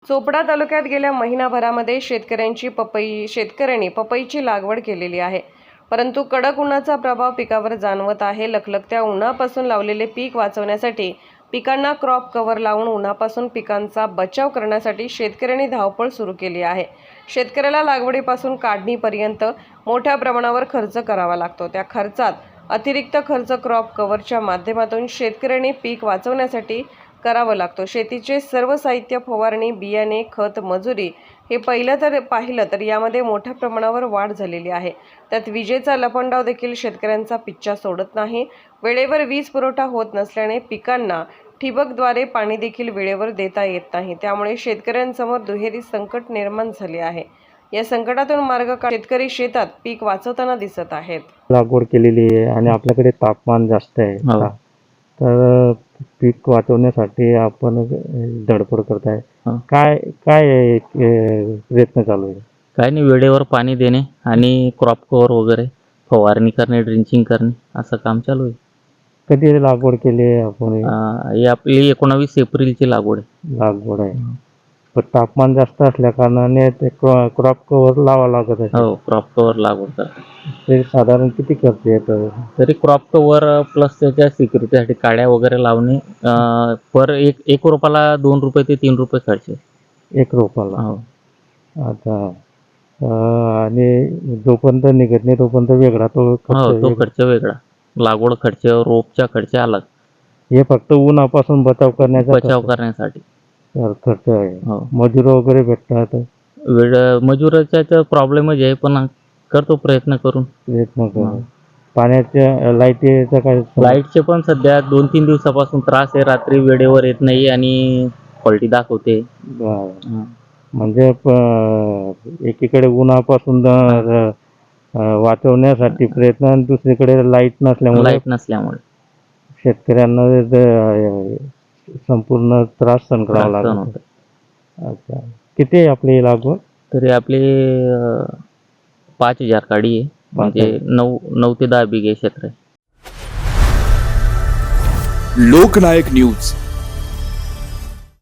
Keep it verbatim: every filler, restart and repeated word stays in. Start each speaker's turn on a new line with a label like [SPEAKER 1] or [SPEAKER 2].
[SPEAKER 1] चोपडा तालुक्यात गेल्या महिनाभरामध्ये शेतकऱ्यांची पपई शेतकऱ्यांनी पपईची लागवड केलेली आहे, परंतु कडक उन्हाचा प्रभाव पिकावर जाणवत आहे। लखलखत्या उन्हापासून लावलेले पीक वाचवण्यासाठी पिकांना क्रॉप कव्हर लावून उन्हापासून पिकांचा बचाव करण्यासाठी शेतकऱ्यांनी धावपळ सुरू केली आहे। शेतकऱ्याला लागवडीपासून काढणीपर्यंत मोठ्या प्रमाणावर खर्च करावा लागतो। त्या खर्चात अतिरिक्त खर्च क्रॉप कव्हरच्या माध्यमातून शेतकऱ्यांनी पीक वाचवण्यासाठी करावं लागतो। शेतीचे सर्व साहित्य, फवारणी, बियाणे, खत, मजुरी हे पहिलं तर पाहिलं तर यामध्ये मोठ्या प्रमाणावर वाढ झालेली आहे। त्यात विजेचा लपंडाव देखील शेतकऱ्यांचा पिच्छा सोडत नाही। वेळेवर वीज पुरवठा होत नसल्याने पिकांना ठिबकद्वारे पाणी देखील वेळेवर देता येत नाही। त्यामुळे शेतकऱ्यांसमोर दुहेरी संकट निर्माण झाले आहे। या संकटातून मार्ग काढ शेतकरी शेतात पीक वाचवताना दिसत आहेत।
[SPEAKER 2] लागवड केलेली आहे आणि आपल्याकडे तापमान जास्त आहे, तर पीक वाचवण्यासाठी आपण धडपड करत आहे। काय काय प्रयत्न चालू आहे?
[SPEAKER 3] काय नाही, वेळेवर पाणी देणे आणि क्रॉप कव्हर वगैरे फवारणी करणे, ड्रिंचिंग करणे असं काम चालू आहे।
[SPEAKER 2] कधी लागवड केली आहे आपण?
[SPEAKER 3] ही आपली एकोणावीस एप्रिलची लागवड आहे
[SPEAKER 2] लागवड आहे, पण तापमान जास्त असल्या कारणाने ते क्रॉप कव्हर लावा लागत आहे।
[SPEAKER 3] हो, क्रॉप कव्हर लागवड करतात।
[SPEAKER 2] ते साधारण किती खर्च येतो?
[SPEAKER 3] तरी क्रॉप कव्हर प्लस त्याच्या सिक्युरिटीसाठी काड्या वगैरे लावणे पर एक एक रोपाला दोन रुपये ते तीन रुपये खर्च आहे
[SPEAKER 2] एक रोपाला।
[SPEAKER 3] हो,
[SPEAKER 2] आता आणि जोपर्यंत निघत नाही तोपर्यंत वेगळा तो
[SPEAKER 3] हो,
[SPEAKER 2] खर्च
[SPEAKER 3] तो खर्च वेगळा। लागवड खर्च, रोपचा खर्च अलग।
[SPEAKER 2] हे फक्त उन्हापासून बचाव करण्याचा
[SPEAKER 3] बचाव करण्यासाठी
[SPEAKER 2] खर्च आहे।
[SPEAKER 3] हो,
[SPEAKER 2] मजूर वगैरे भेटतात?
[SPEAKER 3] वेळ मजुराचा प्रॉब्लेमच आहे, पण करतो प्रयत्न करून
[SPEAKER 2] प्रयत्न करून। पाण्याच्या लाईटीचा काय?
[SPEAKER 3] लाईटचे पण सध्या दोन तीन दिवसापासून त्रास आहे। रात्री वेळेवर येत नाही आणि फॉल्टी दाखवते।
[SPEAKER 2] म्हणजे एकीकडे उन्हापासून वाचवण्यासाठी प्रयत्न आणि दुसरीकडे लाईट नसल्यामुळे
[SPEAKER 3] लाईट नसल्यामुळे
[SPEAKER 2] शेतकऱ्यांना संपूर्ण त्रास सहन करावा लागतो। अच्छा, किती आहे आपली लागवड?
[SPEAKER 3] तरी आपली पाच हजार काडी आहे, म्हणजे नऊ नऊ ते दहा बिघे क्षेत्र आहे।
[SPEAKER 4] लोकनायक न्यूज